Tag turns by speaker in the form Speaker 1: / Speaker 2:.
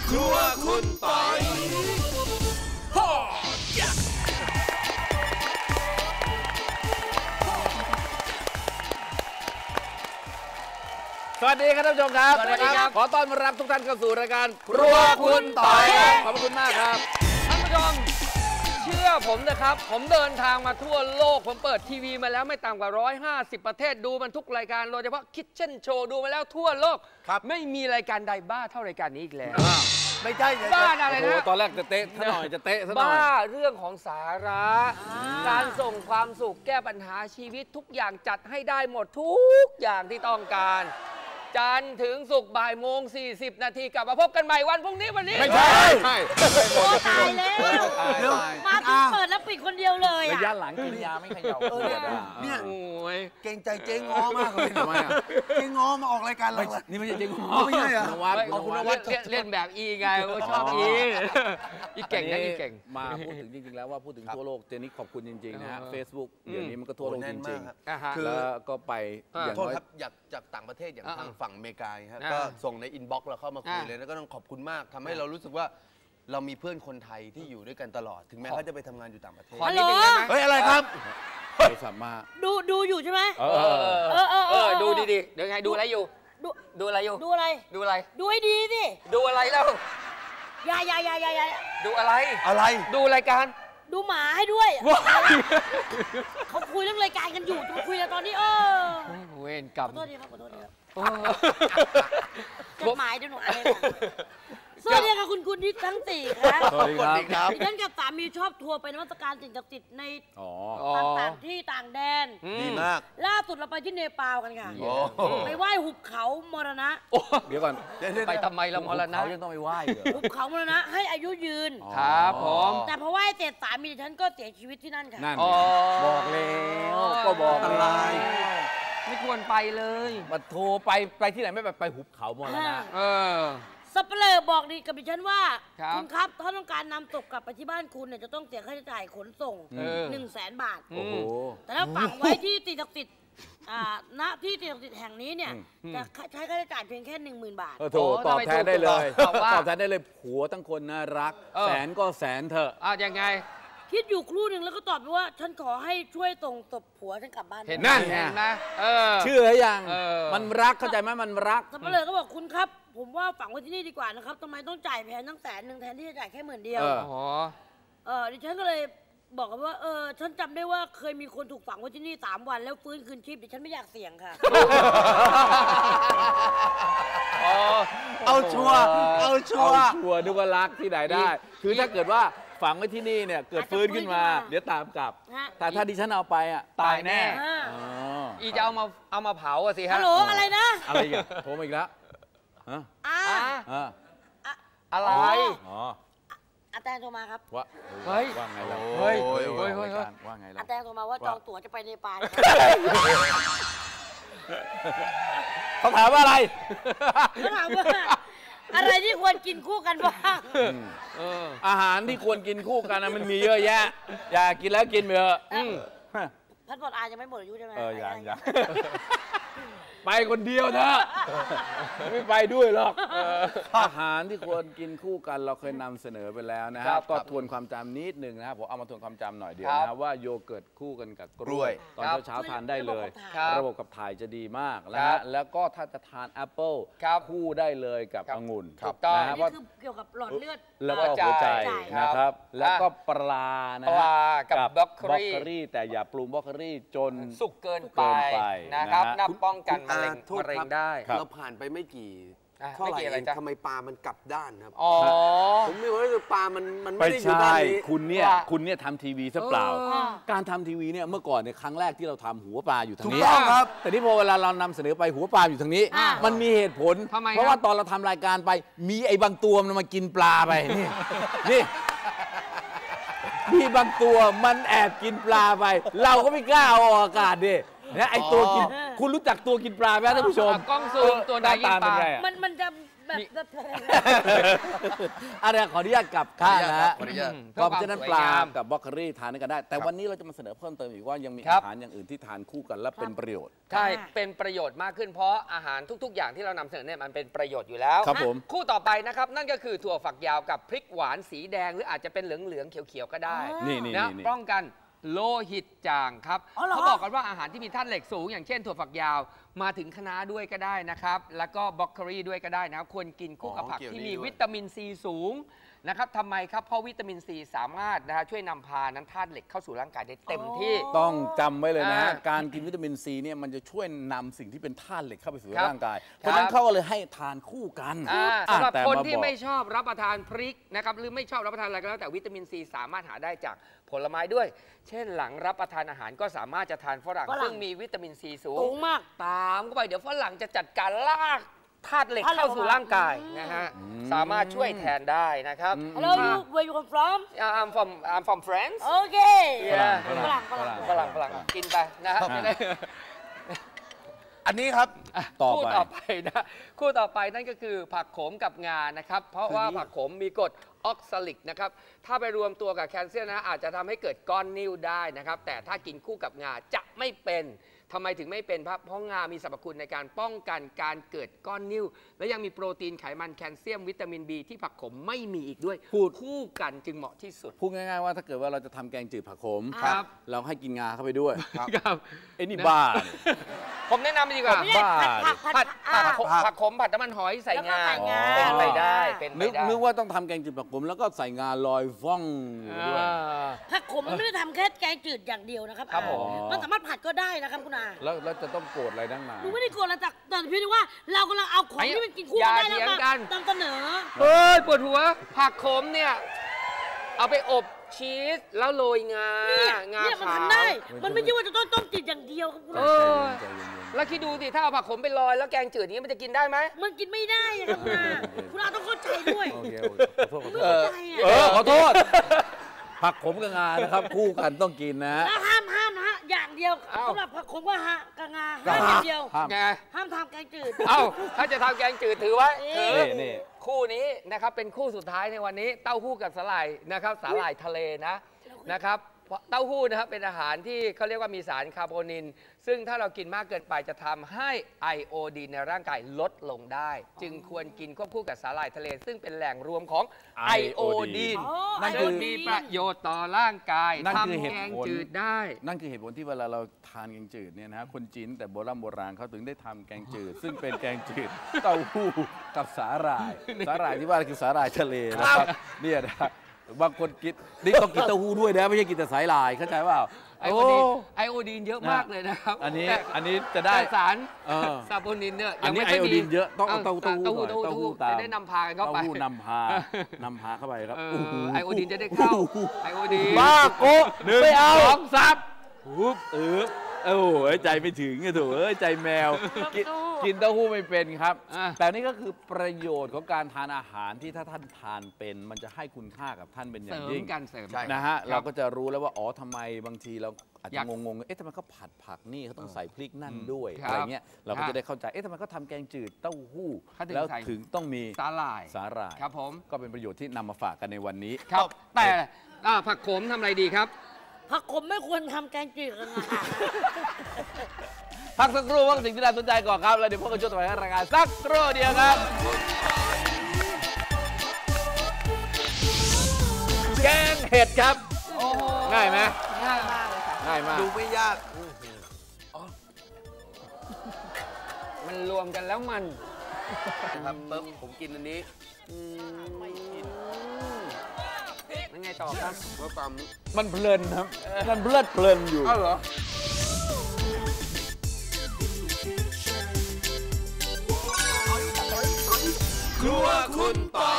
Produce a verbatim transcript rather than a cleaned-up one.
Speaker 1: ครัวคุณปอย
Speaker 2: สวัสดีครับท่านผู้ชมครับ
Speaker 1: สวัสดีครับ
Speaker 2: ขอต้อนรับทุกท่านเข้าสู่รายการ
Speaker 1: ครัวคุณปอย
Speaker 2: ขอบคุณมากครับ
Speaker 3: ท่านผู้ชมเชื่อผมนะครับผมเดินทางมาทั่วโลกผมเปิดทีวีมาแล้วไม่ต่ำกว่าหนึ่งร้อยห้าสิบประเทศดูมันทุกรายการโดยเฉพาะคิทเช่นโชว์ดูมาแล้วทั่วโลกไม่มีรายการใดบ้าเท่ารายการนี้อีกแล้ว
Speaker 1: ไม่ใช่
Speaker 3: บ้าอะไรนะ
Speaker 2: ตอนแรกจะเตะซะหน่อยจะเตะซะหน่อย
Speaker 3: บ้าเรื่องของสาระการส่งความสุขแก้ปัญหาชีวิตทุกอย่างจัดให้ได้หมดทุกอย่างที่ต้องการจันทร์ถึงศุกร์บ่ายโมงสี่สิบนาทีกลับมาพบกันใหม่วันพรุ่งนี้วันนี้
Speaker 2: ไม่ใช่
Speaker 4: โอ้ตายแล้วมาถึงเปิดแล้วปิดคนเดียวเลย
Speaker 2: ระยะหลังกินยาไม่เขย่าเออ
Speaker 1: เนี่ยเก่งใจเจ๊ง้อมากเลยทำไมอ่ะเจ๊ง้อมาออกรายการเรา
Speaker 2: นี่ไม่ใช่เจ๊ง้อ
Speaker 1: ไม่ใช่เหรอ
Speaker 3: เอาคุณนวัดเล่นแบบอีไงชอบอีอีเก่งนะอีเก่ง
Speaker 2: มาพูดถึงจริงๆแล้วว่าพูดถึงทั่วโลกเจนี่ขอบคุณจริงๆนะฮะ Facebook เดี๋ยวนี้มันก็ทั่วโลกจริงๆแล้วก็ไป
Speaker 1: อย่างโทษครับอยากจากต่างประเทศอย่างทางฝั่งอเมริกาครับก็ส่งในอินบ็อกซ์เราเข้ามาคุยเลยแล้วก็ต้องขอบคุณมากทำให้เรารู้สึกว่าเรามีเพื่อนคนไทยที่อยู่ด้วยกันตลอดถึงแม้เขาจะไปทำงานอยู่ต่างประเทศ
Speaker 4: ฮัลโหล
Speaker 1: เฮ้ยอะไรครับ
Speaker 2: โทรศัพท์มา
Speaker 4: ดูดูอยู่ใช่ไหม
Speaker 3: เออเออเออดูดีๆเดี๋ยวไงดูอะไรอยู่ดูดูอะไรอยู่
Speaker 4: ดูอะไร
Speaker 3: ดูอะไร
Speaker 4: ดูให้ดีสิ
Speaker 3: ดูอะไรแล้ว
Speaker 4: อย่าอย่าอย่าอย่าอย่า
Speaker 3: ดูอะไร
Speaker 1: อะไร
Speaker 3: ดูรายการ
Speaker 4: ดูหมาให้ด้วยเขาคุยเรื่องรายการกันอยู่จะมาคุยกันตอนนี้เออ
Speaker 3: เวรกรรม
Speaker 4: ขอโทษทีครับขอโทษทีครับจดหมายเดี๋ยวหนูอ่านให้ฟังสวัสดีค่ะคุณคุณที่ทั้งสี่ครับ
Speaker 2: สวัสดีครับ
Speaker 4: ดิฉันกับสามีชอบทัวร์ไปนมัสการสิ่งศักดิ์สิทธิ์ในต่างที่ต่างแดน
Speaker 1: ดีมาก
Speaker 4: ล่าสุดเราไปที่เนปาลกันค่ะไปไหว้หุบเขามรณะ
Speaker 2: เดี๋ยวก่อน
Speaker 3: ไปทำไมละมรณะ
Speaker 2: เขายังต้องไปไหว้เหรอ
Speaker 4: หุบเขามรณะให้อายุยืน
Speaker 3: ครับผม
Speaker 4: แต่พอไหว้เสร็จสามีดิฉันก็เสียชีวิตที่นั่นค่ะ
Speaker 2: นั่นบอกแล้วก็บอกอะไร
Speaker 3: ไม่ควรไปเลย
Speaker 2: มาโทรไปไปที่ไหนไม่ไปไปหุบเขามรณะ
Speaker 3: เออ
Speaker 4: สัปเหร่อบอกดีกับดิฉันว่าคุณครับถ้าต้องการนำศพกลับไปที่บ้านคุณเนี่ยจะต้องเสียค่าใช้จ่ายขนส่งหนึ่งแสนบาทแต่ถ้าฝังไว้ที่สิ่งศักดิ์สิทธิ์ณที่สิ่งศักดิ์สิทธิ์แห่งนี้เนี่ยจะใช้ค่าใช้จ่ายเพียงแค่หนึ่งหมื่นบาท
Speaker 2: โถตอบแทนได้เลยตอบแทนได้เลยผัวทั้งคนน่ารักแสนก็แสนเถอะ
Speaker 3: อ่ะยังไง
Speaker 4: คิดอยู่ครู่หนึ่งแล้วก็ตอบไปว่าฉันขอให้ช่วยส่งศพผัวฉันกลับบ้าน
Speaker 3: เห็นนั่นไงนะ
Speaker 2: เชื่อยังมันรักเข้าใจไหมมันรัก
Speaker 4: สัปเหร่อก็บอกคุณครับผมว่าฝังไว้ที่นี่ดีกว่านะครับทำไมต้องจ่ายแพงตั้งแสนหนึ่งแทนที่จะจ่ายแค่หมื่นเดียว
Speaker 3: อ๋อ
Speaker 4: เออดิฉันก็เลยบอกกันว่าเออฉันจำได้ว่าเคยมีคนถูกฝังไว้ที่นี่สามวันแล้วฟื้นคืนชีพดิฉันไม่อยากเสี่ยงค่ะ
Speaker 1: เอาชัวร์เอาชัวร์
Speaker 2: เอาชัวร์นึกว่ารักที่ไหนได้คือถ้าเกิดว่าฝังไว้ที่นี่เนี่ยเกิดฟื้นขึ้นมาเดี๋ยวตามกลับแต่ถ้าดิฉันเอาไปอ่ะตายแน่
Speaker 3: อีจะเอามาเอามาเผาสิฮะ
Speaker 4: ฮัลโหลอะไรนะ
Speaker 2: อะไรอีกโทรมาอีกแล้วฮะ
Speaker 3: อะไร
Speaker 2: อ๋อ
Speaker 4: อาแตงโทรมาครับ
Speaker 3: ว่าเฮ้ย
Speaker 2: ว่าไงล่ะ
Speaker 3: เฮ้ย
Speaker 2: เฮ้ยว่าไงล่ะ
Speaker 4: อาแตงโทรมาว่าจองตั๋วจะไปเนปาล
Speaker 2: เขาถามว่าอะไร
Speaker 4: เขาถามว่าอะไรที่ควรกินคู่กันบ้าง
Speaker 2: อาหารที่ควรกินคู่กันมันมีเยอะแยะอยากกินแล้วกินไปเถอะ
Speaker 4: พัดบอดอายังไม่หมดอายุใช่ไหม
Speaker 2: เออยังยังไปคนเดียวเถอะไม่ไปด้วยหรอกอาหารที่ควรกินคู่กันเราเคยนำเสนอไปแล้วนะครับก็ทวนความจำนิดหนึ่งนะครับผมเอามาทวนความจำหน่อยเดียวนะว่าโยเกิร์ตคู่กันกับกล้วยตอนเช้าทานได้เลยระบบขับถ่ายจะดีมากนะฮะแล้วก็ถ้าจะทานแอปเปิลคู่ได้เลยกับองุ่น
Speaker 4: นะว่าเกี่ยวกับหลอดเลือด
Speaker 2: แล้วก็หัวใจนะครับแล้วก็ปลานะ
Speaker 3: ปลากับบล็อกเกอรี่
Speaker 2: แต่อย่าปรุงบล็อกเกอรี่จน
Speaker 3: สุกเกินไปนะครับนับป้องกันมะเร็งมะเร็งได้
Speaker 1: เราผ่านไปไม่กี่เท่าไหร่ทำไมปลามันกลับด้านครับ
Speaker 3: อ๋อ
Speaker 1: ผมไม่รู้ว่าปลามันมันไม่ได้อยู่
Speaker 2: ด้านนี้คุณเนี่ยคุณเนี่ยทำทีวีซะเปล่าการทำทีวีเนี่ยเมื่อก่อนเนี่ยครั้งแรกที่เราทำหัวปลาอยู่ทางนี้
Speaker 1: ถูกต้องครับ
Speaker 2: แต่ที่พอเวลาเรานำเสนอไปหัวปลาอยู่ทางนี้มันมีเหตุผลเพราะว่าตอนเราทำรายการไปมีไอ้บางตัวมันมากินปลาไปนี่นี่มีบางตัวมันแอบกินปลาไปเราก็ไม่กล้าออกอากาศดินะไอตัวกินคุณรู้จักตัวกินปลาไหมท่านผู้ชม
Speaker 3: กล้องซูมตัวใด
Speaker 2: ตามเป็นไง
Speaker 4: มันมันจะแบบแบบ
Speaker 2: อะไรขออนุญาตกลับข้างนะฮะ
Speaker 1: ขออนุญาต
Speaker 2: เพราะฉะนั้นปลากับบรอกโคลีทานกันได้ แต่วันนี้เราจะมาเสนอเพิ่มเติมอีกว่ายังมีอาหารอย่างอื่นที่ทานคู่กันและเป็นประโยชน์
Speaker 3: ใช่เป็นประโยชน์มากขึ้นเพราะอาหารทุก ๆ อย่างที่เรานำเสนอเนี่ยมันเป็นประโยชน์อยู่แล้ว
Speaker 2: ครับผม
Speaker 3: คู่ต่อไปนะครับนั่นก็คือถั่วฝักยาวกับพริกหวานสีแดงหรืออาจจะเป็นเหลืองๆเขียวๆก็ได้
Speaker 2: นี่นี่
Speaker 3: นะ
Speaker 2: นี่
Speaker 3: ป้องกันโลหิตจางครับ
Speaker 4: อ๋อเหรอ
Speaker 3: เขาบอกกันว่าอาหารที่มีธาตุเหล็กสูง อย่างเช่นถั่วฝักยาวมาถึงคะน้าด้วยก็ได้นะครับแล้วก็บรอกโคลีด้วยก็ได้นะครับควรกินคู่กับผักที่มีวิตามินซีสูงนะครับทำไมครับเพราะวิตามินซีสามารถนะฮะช่วยนำพาน้ำธาตุเหล็กเข้าสู่ร่างกายได้เต็มที่
Speaker 2: ต้องจำไว้เลยนะฮะ
Speaker 3: อ่า
Speaker 2: การกินวิตามินซีเนี่ยมันจะช่วยนำสิ่งที่เป็นธาตุเหล็กเข้าไปสู่
Speaker 3: ครับ
Speaker 2: ร่างกาย เพราะฉะนั้นเขาก็เลยให้ทานคู่กัน
Speaker 3: อ่า
Speaker 2: อ่ะ
Speaker 3: สำหรับ
Speaker 2: แต่
Speaker 3: คน
Speaker 2: มา
Speaker 3: ที่
Speaker 2: บอก
Speaker 3: ไม่ชอบรับประทานพริกนะครับหรือไม่ชอบรับประทานอะไรก็แล้วแต่วิตามินซีสามารถหาได้จากผลไม้ด้วย เช่นหลังรับประทานอาหารก็สามารถจะทานฝรั่ง
Speaker 4: ฝรั่ง
Speaker 3: ซึ่งมีวิตามินซีสู
Speaker 4: สู
Speaker 3: ง
Speaker 4: งมาก
Speaker 3: ตามเข้าไปเดี๋ยวฝรั่งจะจัดการลากธาตุเหล็ก
Speaker 4: ธาตุเหล็ก
Speaker 3: เข้าสู่ร่างกายนะฮะสามารถช่วยแทนได้นะครับ
Speaker 4: Hello you where you come from
Speaker 3: Yeah, I'm from I'm from France
Speaker 4: โอเค
Speaker 3: Yeah
Speaker 4: ฝรั่งฝรั่ง
Speaker 3: ฝรั่งฝรั่งกินไปนะครับ
Speaker 2: อ่า
Speaker 3: จะได้
Speaker 1: อันนี้ครับ
Speaker 2: ต่อ
Speaker 3: คู่
Speaker 2: ไป
Speaker 3: ต่อไปนะคู่ต่อไปนั่นก็คือผักโขมกับงานะครับ เพราะว่าผักโขมมีกรดออกซาลิกนะครับ ถ้าไปรวมตัวกับแคลเซียมนะอาจจะทำให้เกิดก้อนนิ่วได้นะครับ แต่ถ้ากินคู่กับงาจะไม่เป็นทำไมถึงไม่เป็นเพราะงามีสรรพคุณในการป้องกันการเกิดก้อนนิ่วและยังมีโปรตีนไขมันแคลเซียมวิตามิน B ที่ผักโขมไม่มีอีกด้วย
Speaker 2: พูด
Speaker 3: คู่กันจึงเหมาะที่สุด
Speaker 2: พูดง่ายๆว่าถ้าเกิดว่าเราจะทำแกงจืดผักขม
Speaker 3: ครับ
Speaker 2: เราให้กินงาเข้าไปด้วย
Speaker 3: ครับ
Speaker 2: ไอ้นี่บ้า
Speaker 3: ผมแนะนำดีกว่า
Speaker 4: ไม่ใช่ผัดผัดผั
Speaker 3: ผั
Speaker 4: ด
Speaker 3: ด
Speaker 4: อ่า
Speaker 3: ผักขมผัดน้ำมันหอยใส่งา
Speaker 4: แล้วก็ใส่งา
Speaker 3: เป็นไปได้เป็นไป
Speaker 2: นึก
Speaker 3: ได้
Speaker 2: นึกว่าต้องทำแกงจืดผักขมแล้วก็ใส่งาลอยฟ่องอยู่ด้วย
Speaker 3: อ่า
Speaker 4: ผักขมมันไม่ได้ทำแค่แกงจืดอย่างเดียวนะครับ
Speaker 3: ครับผม
Speaker 4: มันสามารถผัดก็ได้นะครับคุณอา
Speaker 2: แล้วแล้วจะต้องโกรธอะไรดังหนา
Speaker 4: หนูไม่ได้กลัวอะไรแต่แต่เพียงแต่ว่าเรากำลังเอาของที่มันกินคู่กันได้แล้ว
Speaker 3: อย่าเถีย
Speaker 4: มาง
Speaker 3: กัน
Speaker 4: นำเสนอ
Speaker 3: เฮ้ยปวดหัว ผักขมเนี่ย เอาไปอบชีสแล้วโรยงา
Speaker 4: เนี่ย
Speaker 3: งา
Speaker 4: เนี่ยมัน
Speaker 3: ขาว
Speaker 4: ทำได้ มันไม่ใช่ว่าจะต้องต้มจืดอย่างเดียวครับคุณ
Speaker 3: เอ
Speaker 4: อา
Speaker 3: อแล้วคิดดูสิถ้าเอาผักขมไปลอยแล้วแกงจืดอย่างนี้มันจะกินได้ไหม
Speaker 4: มันกินไม่ได้อะครับคุณอาคุณอาต้องเข้าใจด้วย
Speaker 2: โอเคโอเคขอโทษขอโท
Speaker 4: ไม่
Speaker 2: ษ
Speaker 4: เข้าใจ
Speaker 2: เอ
Speaker 4: อะ
Speaker 2: อขอโทษ ผักขมกับงานะครับ คู่กันต้องกินนะ
Speaker 4: แล้วห้ามห้ามนะฮะอย่างเดียว
Speaker 3: เอ้า
Speaker 4: สำหรับผักขมว่าฮะกะงาห้ามอย่างเดียว
Speaker 2: ห้าม
Speaker 3: ไง
Speaker 4: ห้ามทำแกงจืด
Speaker 3: เอ้าถ้าจะทำแกงจืดถือไว้ถือ
Speaker 2: นี่นี่
Speaker 3: คู่นี้นะครับเป็นคู่สุดท้ายในวันนี้เต้าหู้กับสาหร่ายนะครับสาหร่ายทะเลนะนะครับเต้าหู้นะครับเป็นอาหารที่เขาเรียกว่ามีสารคาร์โบนิน ซึ่งถ้าเรากินมากเกินไปจะทำให้ไอโอดีนในร่างกายลดลงได้ จึงควรกินควบคู่กับสาหร่ายทะเล ซึ่งเป็นแหล่งรวมของไอโอดีน
Speaker 4: อ๋อ
Speaker 2: นั่นคือ
Speaker 3: ซึ่งมีประโยชน์ต่อร่างกาย
Speaker 2: นั่นคือเห
Speaker 3: ทำ
Speaker 2: ตุ
Speaker 3: แกง
Speaker 2: ผล
Speaker 3: จืดได้
Speaker 2: นั่นคือเหตุผลที่เวลาเราทานแกงจืดเนี่ยนะคนจีนแต่โบราณโบราณเขาถึงได้ทำแกงจืด ซึ่งเป็นแกงจืดเต้าหู้กับสาหร่าย สาหร่ายที่ว่าคือสาหร่ายทะเลนะครับเนี่ยนะบางคนกินนี่ต้องกินเต้าหู้ด้วยนะไม่ใช่กินแต่สายลายเข้าใจเปล่า
Speaker 3: ไอโอดีนไอโอดีนเยอะมากเลยนะครับ
Speaker 2: อันนี้
Speaker 3: แต่
Speaker 2: อันนี้จะได้
Speaker 3: แต่สาร
Speaker 2: เออ
Speaker 3: ซาโบนินเนี่ย
Speaker 2: อันนี้
Speaker 3: ยังไม่ค่
Speaker 2: ไอโอดีนเยอะต้องเอา
Speaker 3: า
Speaker 2: เต้าเต้าหู้
Speaker 3: เต้าหู้
Speaker 2: หน่อย
Speaker 3: เต้าหู้
Speaker 2: เต้าหู้ตาม
Speaker 3: จะได้นำพากันเข้าไป
Speaker 2: เต้าหู้นำพานำพาเข้าไปครับ
Speaker 3: เอ
Speaker 2: โอ้โห
Speaker 3: อไอโอดีนจะได้เข้าไอโอดีน
Speaker 2: บ้าโกะ
Speaker 3: หนึ่ง
Speaker 2: ไม่เอา
Speaker 3: สองสาม
Speaker 2: ปุ๊บเออโอ้โหใจไม่ถึงไงถูกเอ้ยใจแมวกินกินเต้าหู้ไม่เป็นครับ
Speaker 3: อ่ะ
Speaker 2: แต่นี่ก็คือประโยชน์ของการทานอาหารที่ถ้าท่านทานเป็น มันจะให้คุณค่ากับท่านเป็นอ
Speaker 3: เส
Speaker 2: ย่าง
Speaker 3: ริม
Speaker 2: ยิ่ง
Speaker 3: กันเสริม
Speaker 1: ใช่
Speaker 2: นะฮะ
Speaker 3: ครับ
Speaker 2: เราก็จะรู้แล้วว่าอ๋อทำไมบางทีเราอาจ
Speaker 3: อ
Speaker 2: จะ
Speaker 3: ยาก
Speaker 2: งงๆเอ๊ะทำไมเขาผัดผักนี่เขาต้องใส่พริกนั่นด้วย
Speaker 3: ครับ
Speaker 2: อะไรเงี้ยเรา
Speaker 3: ครั
Speaker 2: ก็
Speaker 3: บ
Speaker 2: จะได้เข้าใจเอ๊ะทำไมเขาทำแกงจืดเต้าหู้
Speaker 3: เขาถึง
Speaker 2: แล้ว
Speaker 3: ใส่
Speaker 2: ถึงต้องมี
Speaker 3: สาหร่าย
Speaker 2: สาหร่าย
Speaker 3: ครับผม
Speaker 2: ก็เป็นประโยชน์ที่นำมาฝากกันในวันนี้
Speaker 3: ครับ แต่อ่าผักโขมทำอะไรดีครับ
Speaker 4: ผักขมไม่ควรทำแกงจืดกันนะคะ
Speaker 2: พักสักครู่ว่าสิ่งที่น่าสนใจก่อนครับ แล้วเดี๋ยวพบกันช่วงต่อไปของรายการสักครู่เดียวครับ แกงเห็ดครับ
Speaker 3: โอ้โห
Speaker 2: ง่ายไหม
Speaker 3: ง่ายมากเลยค่ะ
Speaker 2: ง่ายมาก
Speaker 1: ดูไม่ยาก
Speaker 3: มันรวมกันแล้วมัน
Speaker 1: นะครับปุ๊บผมกินอันนี้
Speaker 3: ไม่กินยังไงต่อครับ
Speaker 1: ว่าความ
Speaker 2: มันเพลินครับ มันเพลิดเพลินอยู่
Speaker 3: อ้าวเหรอ
Speaker 1: ครัวคุณต่อ